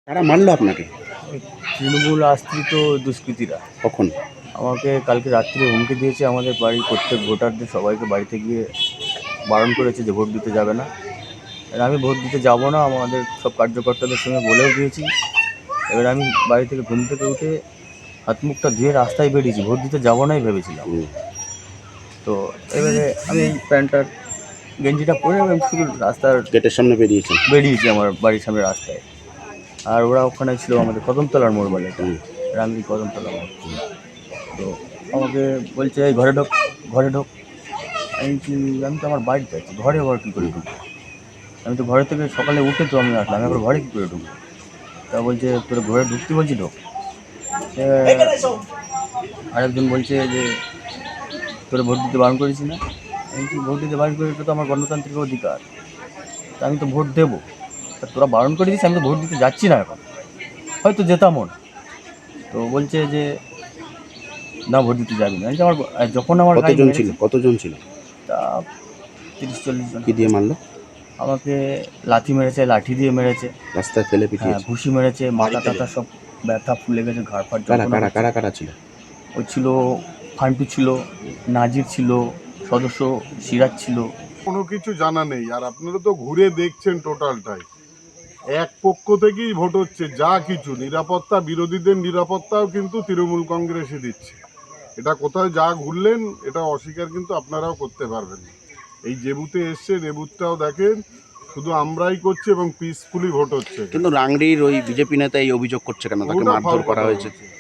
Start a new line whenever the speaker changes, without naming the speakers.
কারা মারলো আপনাকে?
তৃণমূল আশ্রিত দুষ্কৃতীরা
কখন?
আমাকে কালকে রাত্রে হুমকি দিয়েছে। আমাদের বাড়ির প্রত্যেক ভোটারদের সবাইকে বাড়িতে গিয়ে বারণ করেছে যে ভোট দিতে যাবে না। আর আমি ভোট দিতে যাব না, আমাদের সব কার্যকর্তাদের সঙ্গে বলেও দিয়েছি। এবার আমি বাড়ি থেকে ঘুম থেকে উঠে হাত মুখটা ধুয়ে রাস্তায় বেরিয়েছি, ভোট দিতে যাবো নাই ভেবেছিলাম। তো এবারে আমি এই প্যান্টটার গেঞ্জিটা পরে আমি শুধু রাস্তার
গেটের সামনে
বেরিয়েছি আমার বাড়ির সামনে রাস্তায়। আর ওরা ওখানে ছিল আমাদের কদমতলার মোড় বলে এটা, রামজি কদমতলা মোড়। তো আমাকে বলছে এই ঘরে ঢোক, ঘরে ঢোক। আমি তো আমার বাড়িতে আছি, ঘরে আবার কী করে ঢুকবো? আমি তো ঘরে থেকে সকালে উঠে তো আমি আসলাম, আমি আবার ঘরে কী করে ঢুকবো? তা বলছে তোর ঘরে ঢুকতে বলছি ঢোক। আরেকজন বলছে যে তোরা ভোট দিতে বারণ করেছি না। আমি বলছি ভোট দিতে বারণ করে, এটা তো আমার গণতান্ত্রিক অধিকার, তা আমি তো ভোট দেবো। তা তোরা বারণ করে দিস, আমি তো ভোট দিতে যাচ্ছি না, এখন হয়তো যেতামও না। তো বলছে যে না ভোট দিতে যাবি না। আমার যখন আমার
কতজন ছিল?
তা 30-40 জন।
কি দিয়ে মারলো?
আমাকে লাথি মেরেছে, লাঠি দিয়ে মেরেছে,
রাস্তায় ফেলে
হ্যাঁ
পিটিয়েছে?
ঘুষি মেরেছে, মাথা টাথা সব ব্যথা ফুলে গেছে, ঘাড় ফাড়
কারা ছিল?
ওই ছিল ফান্টু ছিল, নাজির ছিল, সদস্য সিরাজ ছিল।
কোনো কিছু জানা নেই। আর আপনারা তো ঘুরে দেখছেন টোটালটাই, এক পক্ষ থেকেই ভোট হচ্ছে। যা কিছু নিরাপত্তা, বিরোধীদের নিরাপত্তাও কিন্তু তৃণমূল কংগ্রেসই দিচ্ছে। এটা কোথায় যা ঘুরলেন এটা অস্বীকার কিন্তু আপনারাও করতে পারবেন না। এই যে বুথে এসছেন এ বুথটাও দেখেন, শুধু আমরাই করছি এবং পিসফুলি ভোট হচ্ছে।
কিন্তু রাংড়ির ওই বিজেপি নেতা এই অভিযোগ করছে কেন, তাকে মারধর করা হয়েছে?